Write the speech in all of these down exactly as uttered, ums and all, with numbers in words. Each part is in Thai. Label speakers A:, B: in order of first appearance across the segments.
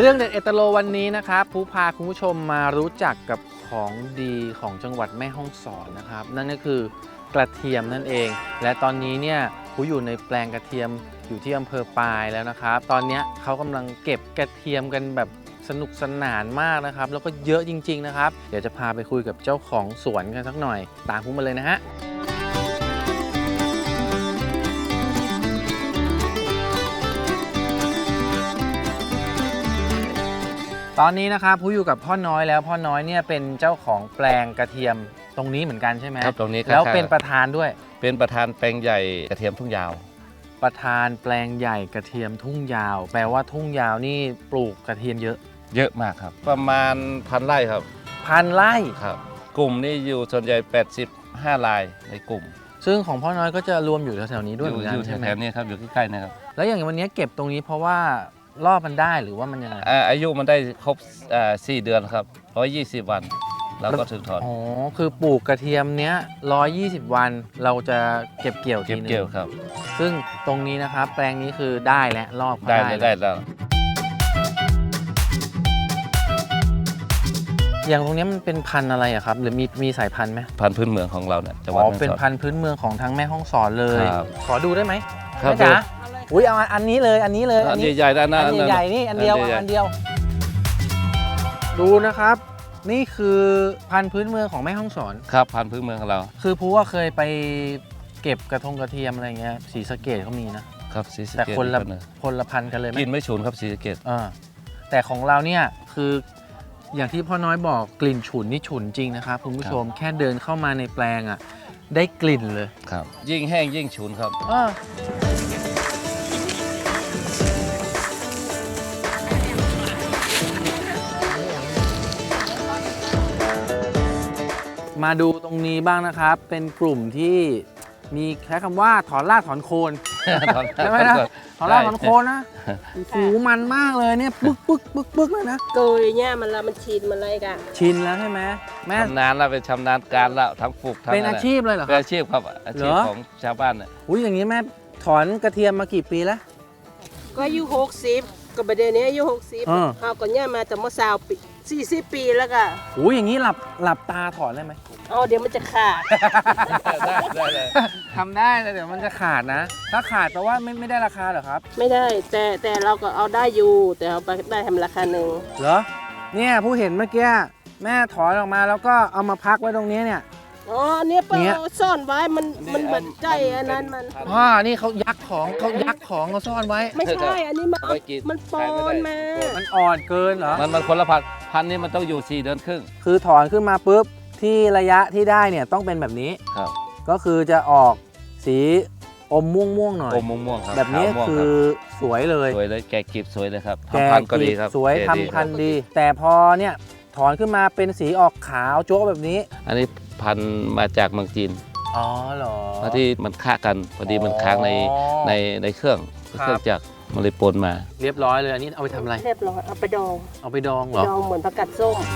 A: รื่องเด็ดเอตโลวันนี้นะครับผู้พาคุณผู้ชมมารู้จักกับของดีของจังหวัดแม่ฮ่องสอนนะครับนั่นก็คือกระเทียมนั่นเองและตอนนี้เนี่ยผู้อยู่ในแปลงกระเทียมอยู่ที่อำเภอปายแล้วนะครับตอนนี้เขากำลังเก็บกระเทียมกันแบบสนุกสนานมากนะครับแล้วก็เยอะจริงๆนะครับเดี๋ยวจะพาไปคุยกับเจ้าของสวนกันสักหน่อยตามผู้มาเลยนะฮะตอนนี้นะครับผู้อยู่กับพ่อน้อยแล้วพ่อน้อยเนี่ยเป็นเจ้าของแปลงกระเทียมตรงนี้เหมือนกันใช่ไหม
B: ครับตรงนี้
A: แล้วเป็นประธานด้วย
B: เป็นประธานแปลงใหญ่กระเทียมทุ่งยาว
A: ประธานแปลงใหญ่กระเทียมทุ่งยาวแปลว่าทุ่งยาวนี่ปลูกกระเทียมเยอะ
B: เยอะมากครับประมาณพันไร่ครับ
A: พันไร่
B: ครับกลุ่มนี้อยู่ส่วนใหญ่แปดสิบห้ารายในกลุ่ม
A: ซึ่งของพ่อน้อยก็จะรวมอยู่แถวๆนี้ด้วยเหมือนกัน
B: ใช่ไหมแถวนี้ครับอยู่ใกล้ๆนะครับ
A: แล้วอย่างวันนี้เก็บตรงนี้เพราะว่ารอบมันได้หรือว่ามันยังไง
B: อายุมันได้ครบสี่เดือนครับร้อยยี่สิบวันเราก็ถึงถอน
A: อ๋อคือปลูกกระเทียมเนี้ยร้อยยี่สิบวันเราจะเก็บเกี่ยวทีนึง
B: เก็บเกี่ยวครับ
A: ซึ่งตรงนี้นะครับแปลงนี้คือได้แล้วรอบ
B: ได้ได้แล้ว
A: อย่างตรงนี้มันเป็นพันธุ์อะไรอะครับหรือมีมีสายพันธุ์ไหม
B: พันธุ์พื้นเมืองของเราเนี่ยจังหวัด
A: อ๋อเป็นพันธุ์พื้นเมืองของทั้งแม่ฮ่องสอนเลยขอดูได้ไหม
B: ครับ
A: จ๋าอุ้ยเอาอันนี้เลยอันนี้เลย
B: อันใหญ่ๆด้านหน้า
A: อันใหญ่ๆนี่อันเดียวอันเดียวดูนะครับนี่คือพันธุ์พื้นเมืองของแม่ฮ่องสอน
B: ครับพันธุ์พื้นเมืองของเรา
A: คือผู้ว่าเคยไปเก็บกระทงกระเทียมอะไรเงี้ยศรีสะเกษเขามีนะครับ
B: ศรีสะเกษ
A: แต่คนละคนละพันธุ์กันเลย
B: กินไม่ฉุนครับศรีสะเกษ
A: อ่าแต่ของเราเนี่ยคืออย่างที่พ่อน้อยบอกกลิ่นฉุนนี่ฉุนจริงนะครับคุณผู้ชมแค่เดินเข้ามาในแปลงอ่ะได้กลิ่นเลย
B: ครับยิ่งแห้งยิ่งฉุนครับ
A: มาดูตรงนี้บ้างนะครับเป็นกลุ่มที่มีแค่คำว่าถอนรากถอนโคนใช่ไหมนะถอนรากถอนโคนนะหูมันมากเลยเนี่ยปึ๊กปึ๊กปึ๊กปึ๊กเลยนะ
C: เกยเนี่ยมันละมันชินมันอะไรกัน
A: ชินแล้วใช่ไหมแม่
B: ชำนาญแล้วเป็นชำนาญการแล้วทั้งปลูกทั้ง
A: เป็นอาชีพเลยเหรอ
B: เป็นอาชีพครับอาชีพของชาวบ้านเนี่ย
A: อุ้ยอย่างนี้แม่ถอนกระเทียมมากี่ปีแล้ว
C: ก็อายุหกสิบกับประเดี๋ยวนี้อายุหกสิบเอาก่อนเนี่ยมาแต่เมื่อสาวปีสี่สิบปีแล้วก็
A: อุ้ยอย่างนี้หลับหลับตาถอนได้ไหม
C: อ๋อเดี๋ยวมันจะขาด
B: ได้ได้เลย
A: ทำได้แต่เดี๋ยวมันจะขาดนะถ้าขาดแปลว่าไม่ไม่ได้ราคาเหรอครับ
C: ไม่ได้แต่แต่เราก็เอาได้อยู่แต่เอาไปได้ทำราคาหนึ่ง
A: เหรอเนี่ยผู้เห็นเมื่อกี้แม่ถอนออกมาแล้วก็เอามาพักไว้ตรงนี้เนี่ย
C: อ๋อเนี่ยเปิดซ่อนไว้มันมันเหมือนใจอันนั้นมัน
A: อ๋อนี่เขายักของเขายักของเขาซ่อนไว้
C: ไม่ใช่อันนี้มันมันปอนมา
A: มันอ่อนเกินเหรอ
B: มันมันคนละพันพันนี้มันต้องอยู่สี่เดือนครึ่ง
A: คือถอนขึ้นมาปุ๊บที่ระยะที่ได้เนี่ยต้องเป็นแบบนี้
B: ครับ
A: ก็คือจะออกสีอมม่วงม่วงหน่อย
B: อมม่วงม่วงครับ
A: แบบนี้คือสวยเลย
B: สวยเลยแกกีบสวยเลยครับทำพันก็ดีครับ
A: สวยทำพันดีแต่พอเนี่ยถอนขึ้นมาเป็นสีออกขาวโจ๊กแบบนี้
B: อันนี้พันมาจากเมืองจีน
A: อ๋อเหรอ
B: เพราะที่มันฆ่ากันพอดีมันค้างในในในเครื่องเครื่องจักรมันเลยปนมา
A: เรียบร้อยเลยอันนี้เอาไปทำอะไร
C: เรียบร้อยเอาไปดอง
A: เอาไปดองเหรอ
C: ดองเหมือนผักกาดส้ม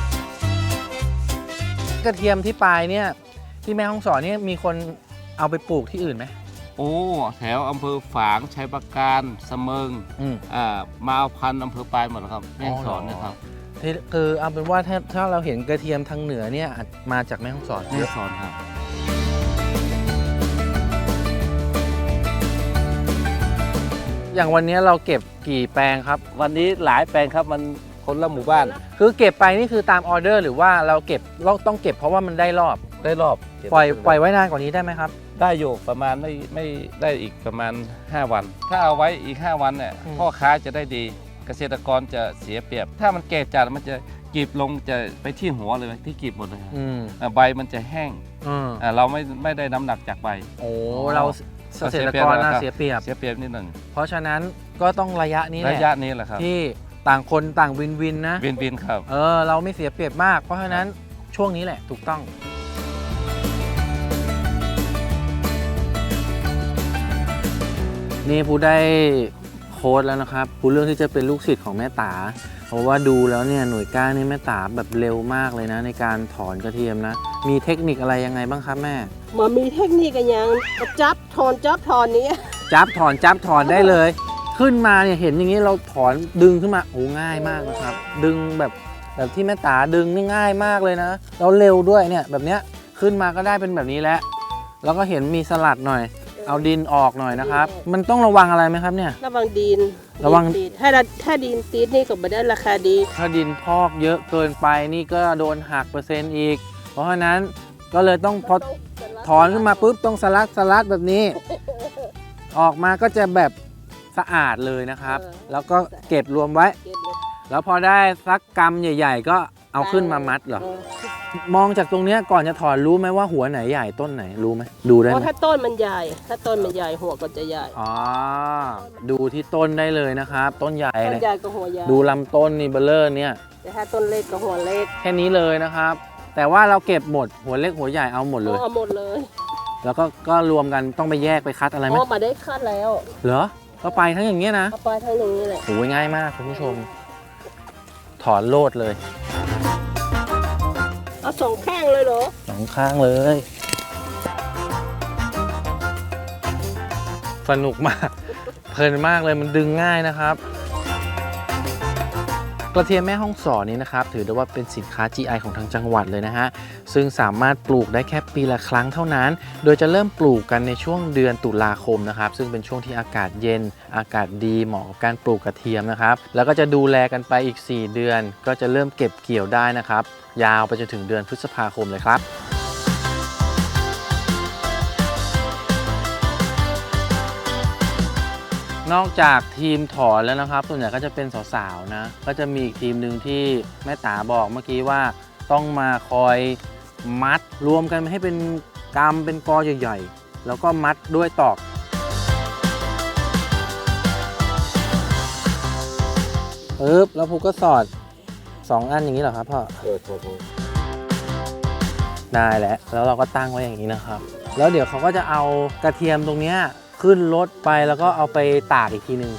A: กระเทียมที่ปลายเนี่ยที่แม่ฮ่องสอนเนี่ยมีคนเอาไปปลูกที่อื่นไหม
B: โอ้แถวอำเภอฝางชัยปราการเสมิงอ่ามาเอาพันธุ์อำเภอปลายหมดครับแม่ฮ่องสอนนะครับ
A: คือเอาเป็นว่าถ้าถ้าเราเห็นกระเทียมทางเหนือเนี่ยมาจากแม่ฮ่องสอน
B: แม่ฮ่องสอนครับ
A: อย่างวันนี้เราเก็บกี่แปลงครับ
B: วันนี้หลายแปลงครับมันคนละหมู่บ้าน
A: คือเก็บไปนี่คือตามออเดอร์หรือว่าเราเก็บเราต้องเก็บเพราะว่ามันได้รอบ
B: ได้รอบ
A: ปล่อยปล่อยไว้นานกว่านี้ได้ไหมครับ
B: ได้อยู่ประมาณไม่ไม่ได้อีกประมาณห้าวันถ้าเอาไว้อีกห้าวันเนี่ยพ่อค้าจะได้ดีเกษตรกรจะเสียเปรียบถ้ามันแก่จัดมันจะกีบลงจะไปที่หัวเลยที่กีบหมดเลยใบมันจะแห้งเราไม่ไม่ได้น้ำหนักจากใบ
A: โอ้เราเกษตรกรน่าเสียเปรียบ
B: เสียเปรียบนิดหนึ่ง
A: เพราะฉะนั้นก็ต้องระยะนี้แหละ
B: ระยะนี้แหละครับ
A: ที่ต่างคนต่างวินวินนะ
B: วินวินครับ
A: เออเราไม่เสียเปรียบมากเพราะฉะนั้นช่วงนี้แหละถูกต้องนี่ผู้ได้โค้ดแล้วนะครับผู้เรื่องที่จะเป็นลูกศิษย์ของแม่ตาเพราะว่าดูแล้วเนี่ยหน่วยก้านนี่แม่ตาแบบเร็วมากเลยนะในการถอนกระเทียมนะมีเทคนิคอะไรยังไงบ้างครับแม่
C: มันมีเทคนิคกันยังจับถอนจับถอนนี้
A: จับถอนจับถอนได้เลยขึ้นมาเนี่ยเห็นอย่างนี้เราถอนดึงขึ้นมาโอ้ง่ายมากนะครับ ดึงแบบแบบที่แม่ตาดึงนี่ง่ายมากเลยนะแล้วเร็วด้วยเนี่ยแบบเนี้ยขึ้นมาก็ได้เป็นแบบนี้แล้วแล้วก็เห็นมีสลัดหน่อย เอาดินออกหน่อยนะครับ มันต้องระวังอะไรไหมครับเนี่ย
C: ระวังดิน
A: ระวัง
C: ดินถ้าถ้าดินติดนี่ก็ไม่ได้ราคาดี
A: ถ้าดินพอกเยอะเกินไปนี่ก็โดนหักเปอร์เซ็นต์อีก เพราะฉะนั้นก็เลยต้องพอถอนขึ้นมาปุ๊บต้องสลัดสลัดแบบนี้ ออกมาก็จะแบบสะอาดเลยนะครับ แล้วก็เก็บรวมไว้
C: เก็บเลย
A: แล้วพอได้สักกำใหญ่ ๆ ก็เอาขึ้นมามัดเหรอ มองจากตรงเนี้ยก่อนจะถอนรู้ไหมว่าหัวไหนใหญ่ต้นไหนรู้ไหมดูได้
C: เพ
A: ไหม
C: ราะถ้าต้นมันใหญ่ ถ้าต้นมันใหญ่หัวก็จะใหญ่
A: อ๋อดูที่ต้นได้เลยนะครับ ต้นใหญ่
C: ต้น
A: เนี่ย
C: ใหญ่ก็หัวใหญ่
A: ดูลำต้นนี่เบลเลอร์เนี่ย
C: แต่ถ้าต้นเล็กก็หัวเล็ก
A: แค่นี้เลยนะครับ แต่ว่าเราเก็บหมดหัวเล็กหัวใหญ่เอาหมดเลย
C: เอาหมดเลย
A: แล้วก็ก็รวมกันต้องไปแยกไปคัดอะไรไหม
C: อ๋อมาได้คัดแล้ว
A: เหรอก็ไปทั้งอย่างเงี้ยนะ
C: เอาไปทั้งอย่างนี้แหละ
A: โอ้ยง่ายมากคุณผู้ชม ถอนโลดเลย
C: เอาสองข้างเลยเหรอ
A: สองข้างเลย สนุกมาก เพลินมากเลยมันดึงง่ายนะครับ กระเทียมแม่ฮ่องสอนนี้นะครับถือได้ว่าเป็นสินค้า จี ไอ ของทางจังหวัดเลยนะฮะซึ่งสามารถปลูกได้แค่ปีละครั้งเท่านั้น โดยจะเริ่มปลูกกันในช่วงเดือนตุลาคมนะครับซึ่งเป็นช่วงที่อากาศเย็นอากาศดีเหมาะกับการปลูกกระเทียมนะครับแล้วก็จะดูแลกันไปอีกสี่เดือนก็จะเริ่มเก็บเกี่ยวได้นะครับยาวไปจนถึงเดือนพฤษภาคมเลยครับ นอกจากทีมถอนแล้วนะครับส่วนใหญ่ก็จะเป็นสาวๆนะก็จะมีอีกทีมหนึ่งที่แม่ตาบอกเมื่อกี้ว่าต้องมาคอยมัดรวมกันให้เป็นกำเป็นกอใหญ่ๆแล้วก็มัดด้วยตอกปึ๊บแล้วภูก็สอดสองอันอย่างนี้เหรอครับพ่อได้แล้วแล้วเราก็ตั้งไว้อย่างนี้นะครับแล้วเดี๋ยวเขาก็จะเอากระเทียมตรงเนี้ยขึ้นรถไปแล้วก็เอาไปตากอีกทีหนึ่ง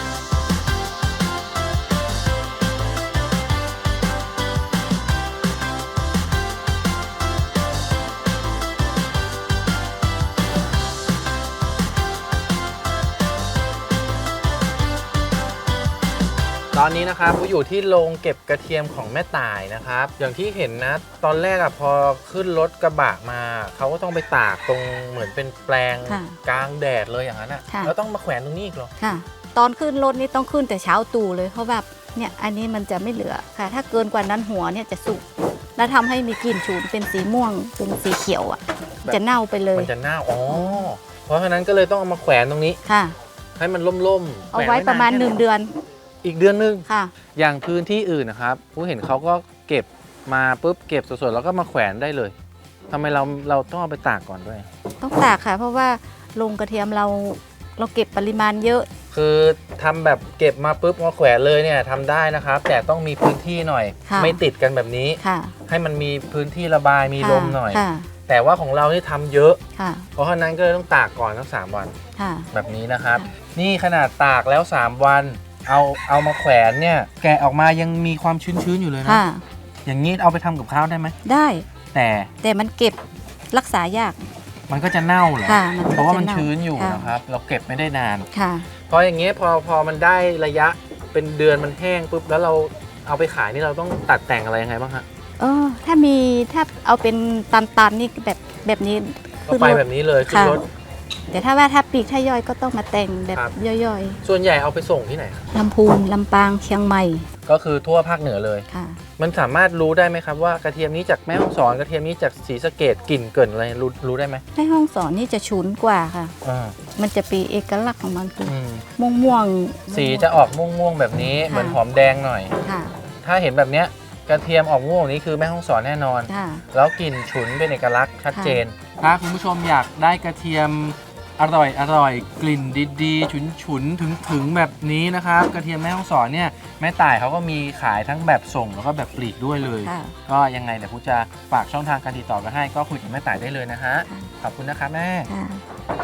A: ตอนนี้นะครับผมอยู่ที่โรงเก็บกระเทียมของแม่ต่ายนะครับอย่างที่เห็นนะตอนแรกอะพอขึ้นรถกระบะมาเขาก็ต้องไปตากตรงเหมือนเป็นแปลงกลางแดดเลยอย่างนั้นอะแล้วต้องมาแขวนตรงนี้อีกเหรอ
D: ค่ะตอนขึ้นรถนี่ต้องขึ้นแต่เช้าตู่เลยเพราะแบบเนี่ยอันนี้มันจะไม่เหลือค่ะถ้าเกินกว่านั้นหัวเนี่ยจะสุกแล้วทำให้มีกลิ่นฉุนเป็นสีม่วงเป็นสีเขียวอ่ะจะเน่าไปเลย
A: มันจะเน่าอ๋อเพราะฉะนั้นก็เลยต้องเอามาแขวนตรงนี้
D: ค่ะ
A: ให้มันล่มๆ
D: เอาไว้ประมาณหนึ่งเดือน
A: อีกเดือนนึง
D: ค่ะ
A: อย่างพื้นที่อื่นนะครับผู้เห็นเขาก็เก็บมาปุ๊บเก็บสดๆแล้วก็มาแขวนได้เลยทำไมเราเราต้องเอาไปตากก่อนด้วย
D: ต้องตากค่ะเพราะว่าโรงกระเทียมเราเราเก็บปริมาณเยอะ
A: คือทำแบบเก็บมาปุ๊บมาแขวนเลยเนี่ยทำได้นะครับแต่ต้องมีพื้นที่หน่อยไม่ติดกันแบบนี้ให้มันมีพื้นที่ระบายมีลมหน่อยแต่ว่าของเราที่ทำเยอะเพราะฉะนั้นก็เลยต้องตากก่อนทั้งสามวันแบบนี้นะครับนี่ขนาดตากแล้วสามวันเอาเอามาแขวนเนี่ยแกะออกมายังมีความชื้นๆอยู่เลยนะอย่างนี้เอาไปทำกับข้าวได้ไหม
D: ได้
A: แต่
D: แต่มันเก็บรักษายาก
A: มันก็จะเน่าเหรอเพราะว่ามันชื้นอยู่นะครับเราเก็บไม่ได้นานพออย่างเงี้ยพอพอมันได้ระยะเป็นเดือนมันแห้งปุ๊บแล้วเราเอาไปขายนี่เราต้องตัดแต่งอะไรยังไงบ้างฮะ
D: เออถ้ามีถ้าเอาเป็นตันๆนี่แบบแบบนี้
A: ก็ไปแบบนี้เลยขึ้นรถ
D: แต่ถ้าว่าถ้าปีกถ้าย่อยก็ต้องมาแต่งแบบย่อย
A: ๆส่วนใหญ่เอาไปส่งที่ไหน
D: ลำพูนลำปางเชียงใหม่
A: ก็คือทั่วภาคเหนือเลยค่ะมันสามารถรู้ได้ไหมครับว่ากระเทียมนี้จากแม่ฮ่องสอนกระเทียมนี้จากศรีสะเกษกลิ่นเกินอะไรรู้รู้ได้ไหม
D: แม่ฮ่องสอนนี่จะฉุนกว่าค่ะมันจะเป็นเอกลักษณ์ของมันคือม่วงม่วง
A: สีจะออกม่วงม่วงแบบนี้เหมือนหอมแดงหน่อยถ้าเห็นแบบเนี้ยกระเทียมออกม่วงนี้คือแม่ฮ่องสอนแน่นอนแล้วกลิ่นฉุนเป็นเอกลักษณ์ชัดเจนถ้าคุณผู้ชมอยากได้กระเทียมอร่อยอร่อยกลิ่นดีๆฉุนฉุนถึงถึงแบบนี้นะครับกระเทียมแม่ฮ่องสอนเนี่ยแม่ต่ายเขาก็มีขายทั้งแบบส่งแล้วก็แบบปลีกด้วยเลยก็ยังไงเดี๋ยวผมจะฝากช่องทางการติดต่อกันให้ก็คุยกับแม่ต่ายได้เลยนะฮะขอบคุณนะคะแม่